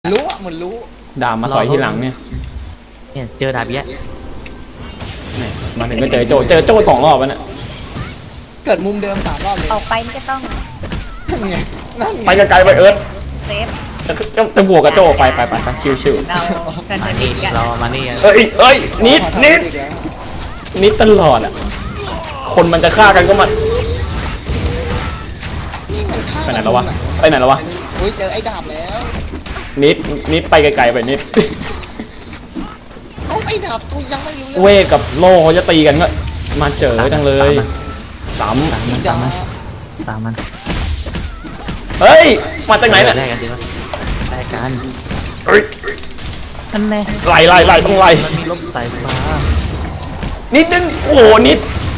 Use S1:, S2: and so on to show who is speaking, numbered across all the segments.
S1: รู้อ่ะเหมือนรู้
S2: ดาบมาสอยที่หลังเนี่ย
S3: เจอดาบเยอะ
S2: มาถึงก็เจอโจ2 รอบแล้วเนี่ย
S1: เกิดมุมเดิม3 รอบเลย
S4: ออกไปนี่ก็ต้อง
S1: นั่นไงนั่นไง
S2: ไปไกลๆไปเอิร์ธ
S4: เซฟ
S2: จะบวกกับโจไปชิว
S4: เรากัน
S3: มา
S4: จะ
S3: นี่
S4: ดีกัน
S3: เรามานี่
S2: ๆเอ้ยนิดตลอดอ่ะคนมันจะฆ่ากันก็มัน
S1: นี่มันฆ่า
S2: ไปไหนแล้ววะ
S1: อุ้ยเจอไอ้ดาบแล้ว
S2: นิดไปไกลๆไปนิด
S1: เอาไอ้ดาบกูยังไม่รู้
S2: เวทกับโล่เขาจะตีกันก็มาเจอจังเลยสาม
S1: ดาบ
S3: ตามมัน
S2: เฮ้ยมาจากไหนเนี่ย
S3: แลกกันดีวะแลกกัน
S2: เฮ้ย
S3: นั่นแน่
S2: ไล่ต้องไล่
S3: มันมีลมสายฟ้า
S2: นิดนึงโอ้โหนิด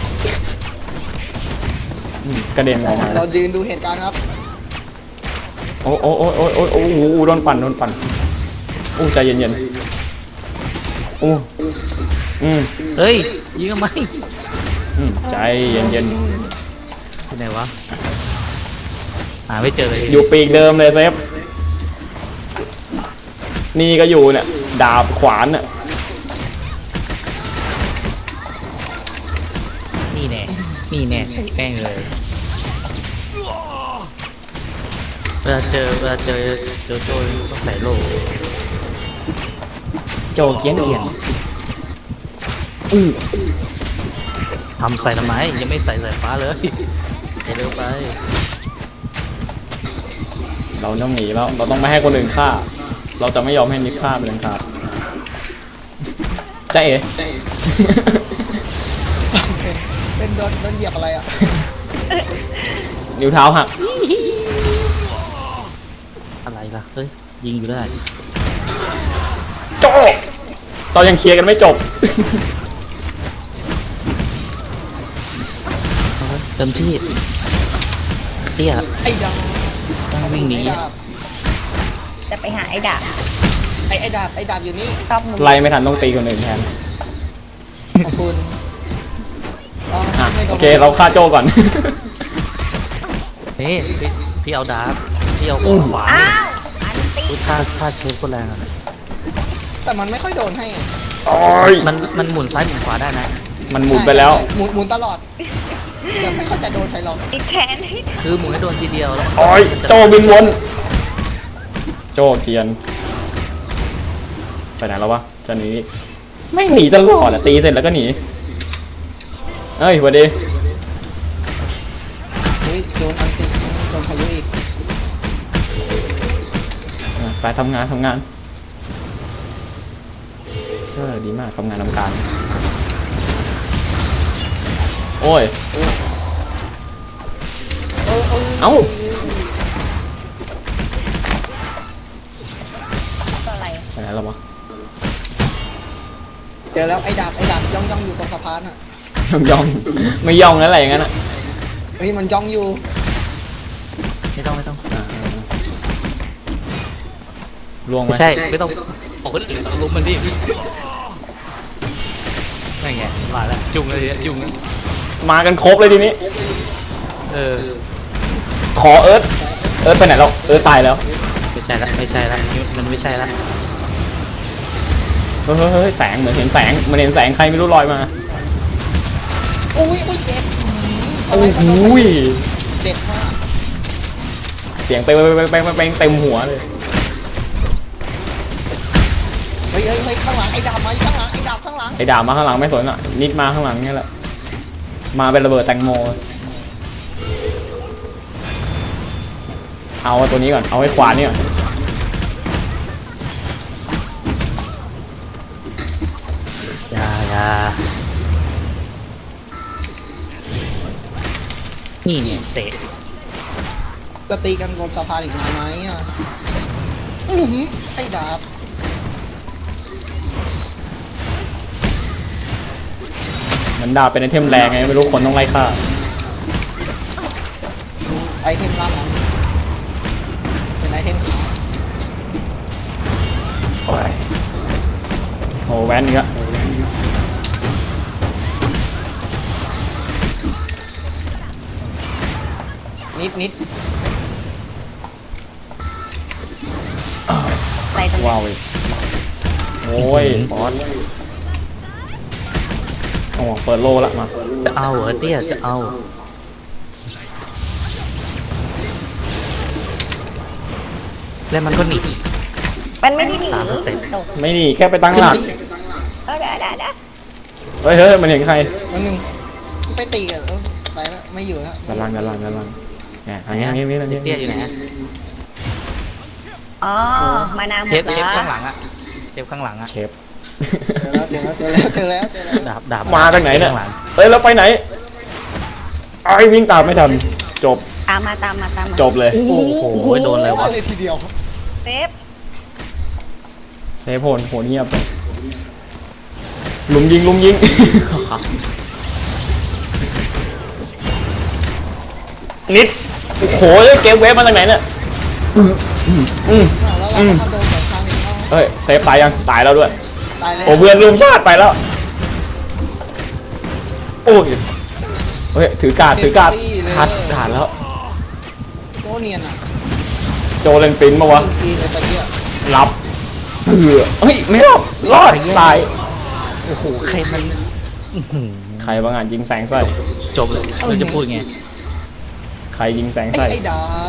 S2: กระเด็นออกมา
S1: เรายืนดูเหตุการณ์ครับ
S2: โอ้โดนปั่นโอ้ใจเย็นๆโอ้
S3: เฮ้ยยิงทำไม
S2: ใจเย็น
S3: ที่ไหนวะหาไม่เจอเลย
S2: อยู่ปีกเดิมเลยเซฟนี่ก็อยู่เนี่ยดาบขวานน่ะ
S3: นี่แน่แป้งเลยเวลาเจอโจต้องใส่โล่
S2: โจเกียน
S3: ทำใส่ทำไมยังไม่ใส่สายฟ้าเลยใส่เร็วไป
S2: เราต้องหนีแล้วเราต้องไม่ให้คนอื่นฆ่าเราจะไม่ยอมให้นิดฆ่าเป็นอันขาดใจเอ๋
S1: เป็นโดนเหยียบอะไรอ่ะ
S2: นิ้วเท้าหัก
S3: อะไรล่ะเฮ้ยยิงอยู่ได้
S2: โจเรายังเคลียร์กันไม่จบ
S3: เต็มที่เตี้ย
S1: ไอ้ดาบ
S3: ต้องวิ่งหนี
S4: จะไปหาไอ้ดาบ
S1: ไอ้ดาบอยู่นี่
S4: ชอบมุม
S2: ไล่ไม่ทันต้องตีคนอื่นแทน
S1: ขอบคุณ
S2: โอเคเราฆ่าโจก่อน
S3: นี่พี่เอาดาบพี่เอาขวา
S4: อ้าวอันตี
S3: ถ้าเชฟก็แรงอะ
S1: แต่มันไม่ค่อยโดนให้
S3: มันหมุนซ้ายหมุนขวาได้นะ
S2: มันหมุนไปแล้ว
S1: หมุนตลอดแต่ไม่ค่อยจะโดนใครหรอก
S4: อีกแขนให้
S3: คือหมุนให้โดนทีเดียวแล้ว
S2: โจบินวนโจเกียนไปไหนแล้ววะจะหนีไม่หนีตลอดอะตีเสร็จแล้วก็หนีเอ้ยสวัสดี
S1: อุ้ยโดนอันติโดนพายุอีก
S2: ไปทำงานดีมากทำงานทำการโอ้ยเอ้า
S4: อะไร
S2: ไปไหนแล้ววะ
S1: เจอแล้วไอ้ดาบย่องอยู่ตรงสะพานอ่ะ
S2: ย่องไม่ย่องนั่นอะไรอย่างนั้นอะ
S1: เฮ้ยมันย่องอยู่
S3: ไม่ต้อง
S2: ล่วงไหม
S3: ไม่ใช่ไม่ต้องบอกคนอื่นต้องลุมมันดิไม่ไงมาแล้วจุงเลยจุง
S2: มากันครบเลยทีนี้ ขอเอิร์ธไปไหนแล้วเอิร์ธตายแล้ว
S3: ไม่ใช่ละมันไม่ใช่ละ
S2: เฮ้ยแสงเหมือนเห็นแสงมันเห็นแสงใครไม่รู้ลอยมา
S1: อุ้ยเจ็บ
S2: โอ้โห
S1: เจ็บมาก
S2: เสียงไปเต็มหัวเลย
S1: เฮ้ยข้างหลังไอ้ดาบมาข้างหลังไอ้ดาบข้างหลัง
S2: ไอ้ด่ามาข้างหลังไม่สนอ่ะนิดมาข้างหลังนี่แหละมาเป็นระเบิดแตงโมเอาตัวนี้ก่อนเอาไอ้ขวานี่ก่อน
S3: อย่านี่เนี่ยเตะ
S1: จะตีกันบนสะพานอีกนานไหมอ่ะไอ้ดาบ
S2: มันดาบเป็นไอเทมแรงไงไม่รู้คนต้องไล่ฆ่า
S1: ไอเทมลับนะเป็นไอเทมขาว
S2: โอ้แวนอีกแล้ว
S1: นิด
S4: ใส่
S2: ว้าวอีกโอ้ยบอสโอ้เปิดโลละมา
S3: จะเอาเหรอเตี้ยจะเอาแล้วมันก็หนี
S4: มันไม่ได้หนี
S3: ตามสเต็ป
S4: ตก
S2: ไม่นี่แค่ไปตั้งหลัก
S4: ได้
S2: เฮ้ยเฮ้ยมันเห็นใคร
S1: วันหนึ่งไปตีกันแล้วไปแล้วไม่อยู่แล้ว
S2: ด้านล่างเนี่ยอันนี้อันนี้
S3: เตี้ยอยู่ไหนฮะ
S4: อ๋อมานาวหม
S3: เช
S4: ด
S3: ฟ
S4: แล้ว
S3: ข้างหลังอะเชฟข้างหลังอะ
S2: เชฟ
S1: เจอแล้ว
S3: ดาบ
S2: มาจากไหนเนี่ย
S3: ข้างลัง
S2: เฮ้ยเราไปไหนไอ้วิ่งตามไม่ทันจบ
S4: ตามมา
S2: จบเลย
S3: โอ้โหโดนเลยวะ
S1: เลยทีเดียว
S4: เซฟ
S2: เซฟโหนเงียบลุมยิง นิดโอ้โหเกมเวฟมาจากไหนเนี่ย
S1: แล้วเราก็ทำโดนสองครั้งนี้
S2: เฮ้ยเซฟตายยังตายแล้วด้วย
S1: ตายเลย
S2: โอ้เพื่อนรุมชาติไปแล้วโอ้ยเฮ้ยถือการ์ดทัดการ์ดแล้ว
S1: โคเนียนอ่ะ
S2: โจเลนฟินมาวะ
S1: ตีเลยตะเกียบ
S2: รับเฮ้ยไม่รอดรอดตาย
S3: โอ้โหใครมันอื้อหือ
S2: ใครบางงานยิงแสงใส่
S3: จบเลยเราจะพูดไง
S2: ใครยิงแสงใส่
S1: ไอ้ดาบ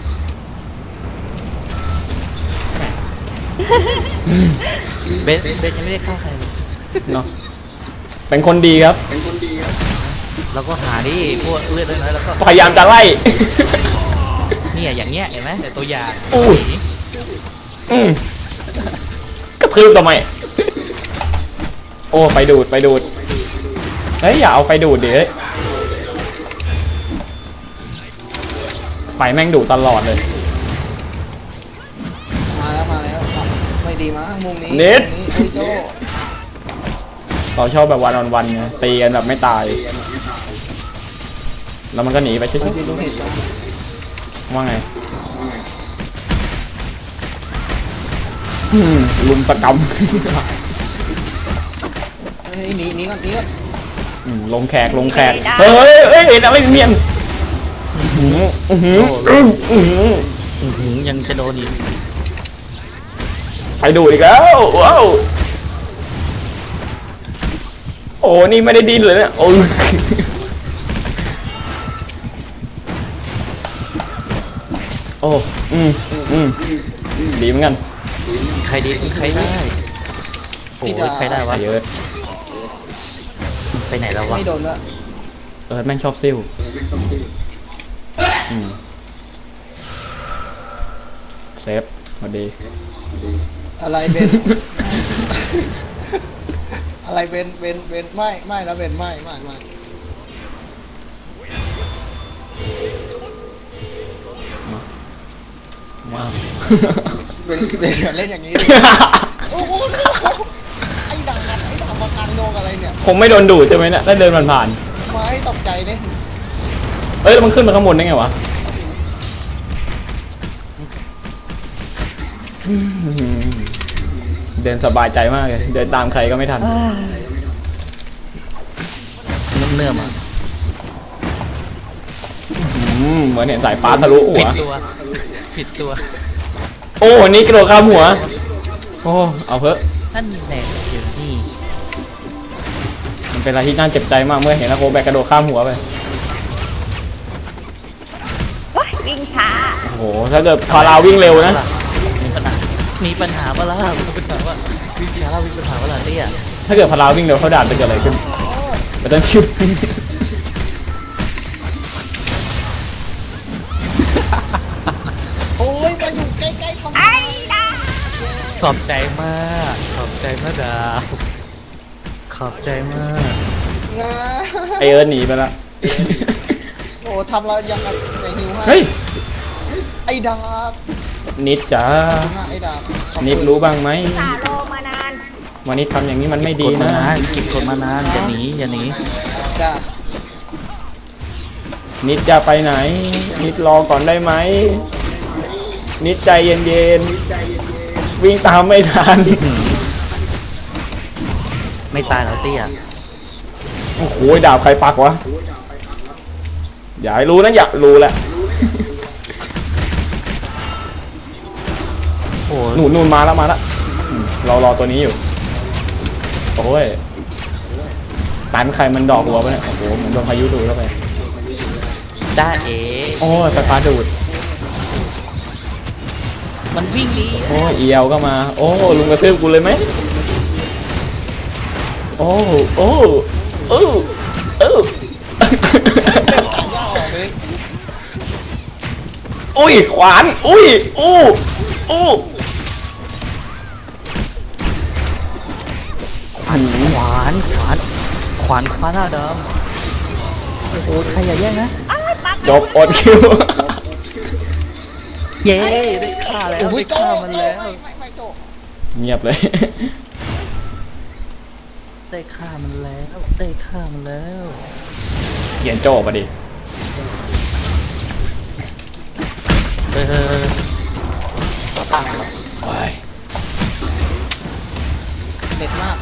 S3: เบสยังไม่ได้ฆ่าใครเลย
S2: เนาะเป็นคนดีครับ
S3: เราก็หาดิพวกเลือดน้อยๆแล้วก็
S2: พยายามจะไล่
S3: เนี่ยอย่างเงี้ยเห็นไหมแต่ตัวอย่าง
S2: อุ้ย อืมกระทืบทำไมโอ้ไฟดูดเฮ้ยอย่าเอาไฟดูดดิเฮ้ยไฟแม่งดูดตลอดเลย
S1: มาแล้วไม่ดีมั้งมุมนี้
S2: เน็ต
S1: โอ้ยโจ
S2: เราชอบแบบวันออนวันไงตีกันแบบไม่ตาย แล้วมันก็หนีไปชิ
S1: มัน
S2: ด
S1: จะดูเห็น
S2: ๆว่าไงลุมสกรรม
S1: เฮ้ยหนีก่อน
S2: ลงแขกเฮ้ยเห็นอะไรเมียน
S3: ยังจะโดนอีก
S2: ไปดูอีกแล้วว้าวโอ้นี่ไม่ได้ดิ้นเลยเนี่ยโอ้โอ้ดีเหมือนกัน
S3: ใครดีใครได้โอ้ยใครได้วะ
S2: เยอะ
S3: ไปไหนแล้ววะ
S1: ไม่โดนละ
S2: แม่งชอบซิ่วเซฟมาดี
S1: อะไรเบนอะไรเบนไม่แล้วเบนไม่
S2: ว้าว
S1: เบนเล่นอย่างนี้โอ้โหไอ้ดังมากลางโดนอะไรเนี่ย
S2: คงไม่โดนดูดใช่ไหมเนี่ยได้เดินผ่าน
S1: ไม้ตกใจเนี่ย
S2: ๆแล้วมันขึ้นมาข้างบนได้ไงวะเดินสบายใจมากเลยเดินตามใครก็ไม่ทัน
S3: เนื่อมอ่ะ
S2: เหมือนเห็นสายฟ้าทะลุหั
S3: ผิ
S2: ว
S3: ดตัว
S2: โอ้นี่กระโดดข้ามหัวโอ้เอาเถอะ
S3: นั่นแหละอยู่นี่
S2: มันเป็นอะไรที่น่าเจ็บใจมากเมื่อเห็นนักโกแบกกระโดดข้ามหัวไป
S4: ว้ยวิ่งช้า
S2: โอ้โหถ้าเกิดพาราวิ่งเร็วนะ
S3: มีปัญหาปะล่ะมีปัญหาว่าวิ่งช้าวิ่งปัญหาปะล่ะเตี้ย
S2: ถ้าเกิดพาราวิ่งเร็วเขาด่านจะเกิดอะไรขึ้นไม่ต้องชิว
S1: โอ้ยมาอยู่ใกล้ๆทำไม
S4: ไอ้ดา
S3: ขอบใจมากดาวขอบใจมาก
S1: นะ
S2: ไอเอิร์ธหนีไปละ
S1: โอ้ทำเรายังกับในหิวให้
S2: เฮ้ย
S1: ไอ้ดาบ
S2: นิดจ้า
S1: ไอ้ดาบขอบคุณ
S2: นิดรู้บ้างไหม
S4: ตาโลมานาน
S2: วันนี้ทำอย่างนี้มันไม่ดี
S3: กดมา
S2: นะ
S3: นานเก็บกดมานานอย่าหนี
S1: จ้า
S2: นิดจะไปไหน นิดรอก่อนได้ไหมนิดใจเย็นๆวิ่งตามไม่ทัน
S3: ไม่ตายแล้วเตี้ย
S2: โอ้โหดาบใครปักวะอย่าให้รู้นะอยากรู้แหละ
S3: โอ้
S2: หนูนู่นมาแล้วรอตัวนี้อยู่โอ้ยตันใครมันดอกหัวไปเนี่ยโอ้โหเหมือนโดนพายุดูดเข้าไป
S3: ได้เอ๋
S2: โอ้ยไฟฟ้าดูด
S3: มันวิ่งดี
S2: โอ้ยเอียวก็มาโอ้ลุงกระทืบกูเลยไหมโอ้โอ้เออเออ
S1: ย่าออกเลย
S2: อุ้ยขวานอุ้ยอู้อู้
S3: ขวานหน้าดำโอ้โหใครอย่าแย่งนะ
S4: อ้าวปัก
S2: จบอดคิว
S3: เย้ได้ฆ่าแล้ว
S1: โอ้
S3: ได้
S1: ยโจ้
S3: ฆ่ามันแล้ว
S1: ไม่โจ้
S2: เงียบเลย
S3: ได้ฆ่ามันแล้วได้ฆ่ามันแล้ว
S2: เขียนโจ้มาดิ
S3: เออตั้ง
S2: โอ้ย
S3: เด็ดมาก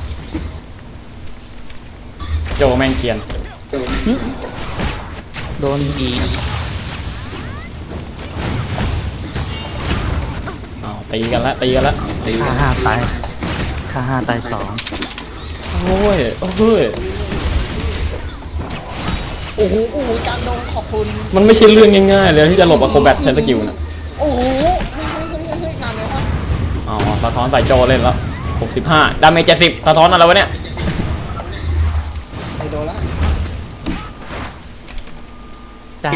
S2: โจแม่งเขียน
S3: โดนบี
S2: อ้าวตีกันละตีกัน
S3: ฆ่า5ตายฆ่า5ตาย2
S2: โอ้ยโอ้ย
S1: โอ้โหกลางดงขอบคุณ
S2: มันไม่ใช่เรื่องง่ายๆเลยที่จะหลบอะโคแบทใช้สกิลน่ะ
S1: โอ้โหเฮ้ยนานเลยครับ
S2: อ๋อสะท้อนใส่โจเล่นแล้ว65ดาเมจ70สะท้อนอะไรวะเนี่ย
S1: ไอโดนละ
S3: ได้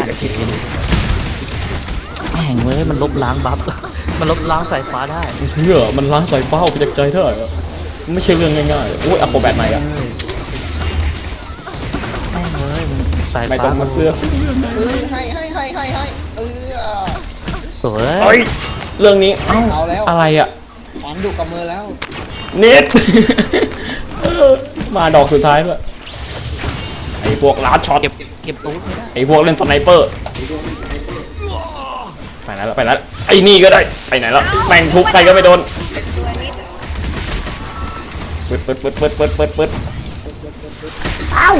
S3: แม่งเว้ยมันลบล้างบัฟ มันลบล้างสายฟ้าได้
S2: เฮ้ยมันล้างสายฟ้าออกไปจากใจเธอมันไม่ใช่เรื่องง่ายๆโอ้ยอะโคแบทใหม่อะ
S3: แม่งเว้ยมันสาย
S2: ไม่
S3: ฟ้า
S2: ต้องมาเสือกสิ
S1: เอ้ยให้
S3: สวย
S2: เฮ้ยเรื่องนี้เอ้า
S1: เอาแล้ว
S2: อะไรอะ
S1: ขวานอยู่กับมือแล้ว
S2: นิด มาดอกสุดท้ายด้วยไอ้พวกลาดช็อต
S3: เก็บตู้ไม่ได้
S2: ไอ้พวกเล่นสไนเปอร์ไปไหนแล้วไอ้นี่ก็ได้ไปไหนแล้วแม่งทุบใครก็ไม่โดน
S4: ตัวนิด
S2: ปึ๊ดเอ้า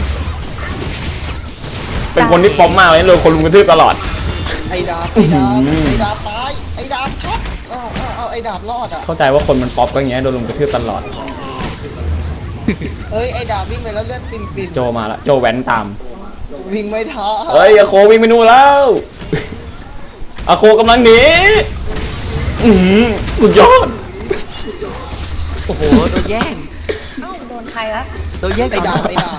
S2: เป็นคนที่ป๊อปมากเลยเลยคนลุมกระทืบตลอด
S1: ไอ้ดาบตายไอ้ดาบช็อตเอาไอ้ดาบรอดอ่ะ
S2: เข้าใจว่าคนมันป๊อปก็อย่างเงี้ยโดนลุมกระทืบตลอด
S1: เอ้ยไอ้ดาบวิ่งไปแล้วเลือดปิ่น
S2: โจมาละโจแว้นตาม
S1: วิ่งไม่ท้า
S2: เฮ้ยอาโควิ่งไปนู่นแล้วอาโคกำลังหนีอื้อหือสุดยอด
S3: โอ้โหโดนแย่ง
S4: เอ้าโดนใครวะ
S3: โดนแย่ง
S1: ไอ้
S3: ก่อน
S1: ดาบ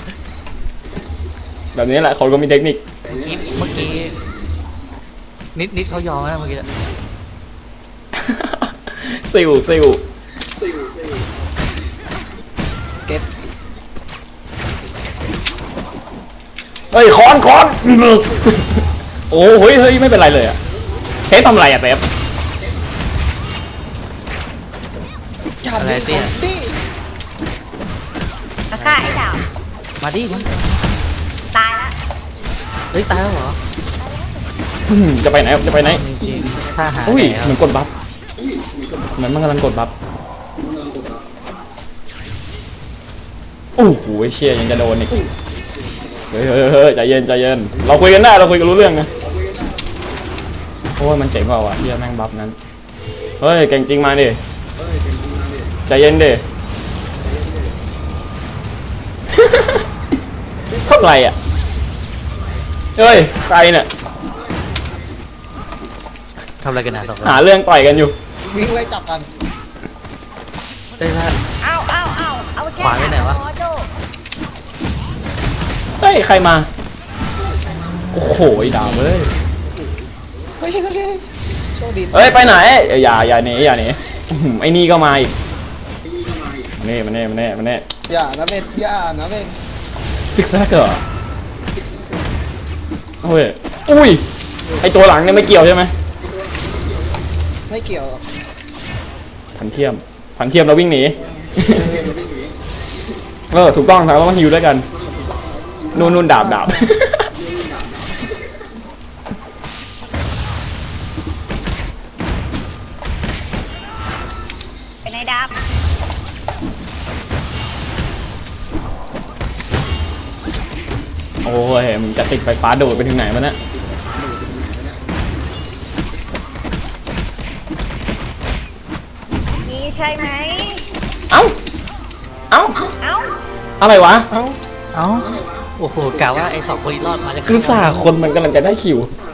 S2: แบบนี้แหละคนก็มีเทคนิค
S3: เมื่อกี้นิดเขายอมนะเมื่อกี้
S2: ซิว
S1: เก็บ
S2: เฮ้ยคอน โอ้เฮ้ยไม่เป็นไรเลยอะเทปทำอะไรอะเทป
S1: จับดิ
S4: มาฆ่าไอ้ดาว
S3: มาดิมัน
S4: ตายละ
S3: เฮ้ยตายแล้วเหรอ
S2: จะไปไหนจะไปไหน
S3: จริงๆถ้าหา
S2: อุ้ย
S3: แล้ว
S2: เหมือนกดบัฟเหมือนมันกำลังกดบัฟโอ้โหเชี่ยยังจะโดนอีกเฮ้ยใจเย็นเราคุยกันได้เราคุยกันรู้เรื่องนะโอ้ยมันเจ๋งกว่าวะเชี่ยแม่งบัฟนั้นเฮ้ยเก่งจริงมาดิใจเย็นดิ เท่าไหร่อ่ะเฮ้ยใครเนี่ย
S3: ทำอะไรกันนะต่อไป
S2: หาเรื่องต่อยกันอยู่
S1: วิ่งไล่จับกัน
S3: เอ้ยถ้า
S4: เอาแค่
S3: ขวานไปไหนวะ
S4: พอโจ
S2: เฮ้ยใครมาโอ้โหดาวเว้ย
S1: เฮ้ยโชคดี
S2: เฮ้ยไปไหนอย่าหนีอื้อหือไอ้นี่ก็มาอีกมาเน่
S1: อย่านะเม็ด
S2: ซิกแซกเหรอเฮ้ยอุ้ยไอตัวหลังเนี่ยไม่เกี่ยวใช่ไหม
S1: ไม่เกี่ยวหรอก
S2: พันเทียมเราวิ่งหนี ถูกต้องครับเราต้องฮิวด้วยกันนู่นดาบ
S4: เป็นไอ้ดาบ
S2: โอ้ยมึงจะติดไฟฟ้าโดดไปถึงไหนวะเนี่ย
S4: ใช่ไหม
S2: เอ้าเอ้า
S4: เอ้า
S2: อะไรวะ
S3: เอ้าโอ้โหกะว่าไอ้สองคนนี้รอดมาจะ
S2: คือสาคนมันกำลังจะได้คิว